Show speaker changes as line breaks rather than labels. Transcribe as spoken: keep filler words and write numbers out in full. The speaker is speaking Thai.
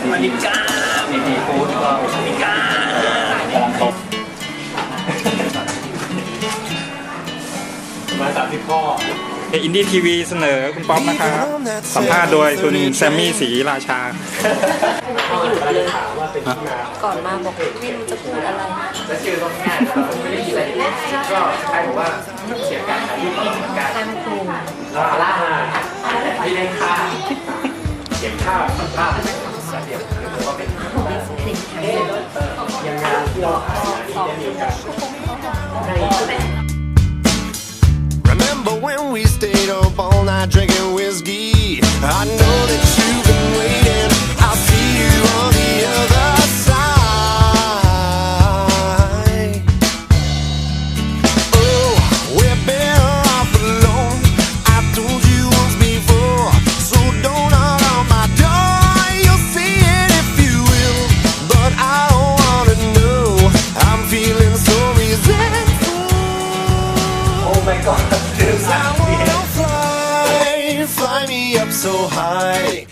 มาริก้ามีพีฟูดก็มาริก้ากำลังตกมาสามสิบข้อ
อินดี้ทีวีเสนอคุณป๊อปนะครับสัมภาษณ์โดยคุณแซมมี่ศรีราชา
ก่อนมาบอกไม่รู้จะพูดอะไร
แล้วชื่อก็ง่ายไม่ได้ยินอะไรก็ใครบอกว่าเสียการถ่ายรูปการ
การครู
ล่าล่าไม่ได้ค่าเก็บค่าค่าเดี๋ยวหรือว่าเป็นยังงานที่เราหาที่จะมีกัน
Remember when we stayed up all night drinking whiskey? I know that you've been waiting. I'll see you on the other side. Oh, we're better off alone. I told you once before, so don't knock on my door. You'll see it if you will, but I don't wanna know. I'm feeling so resentful.
Oh my God.
I wanna fly, fly me up so high.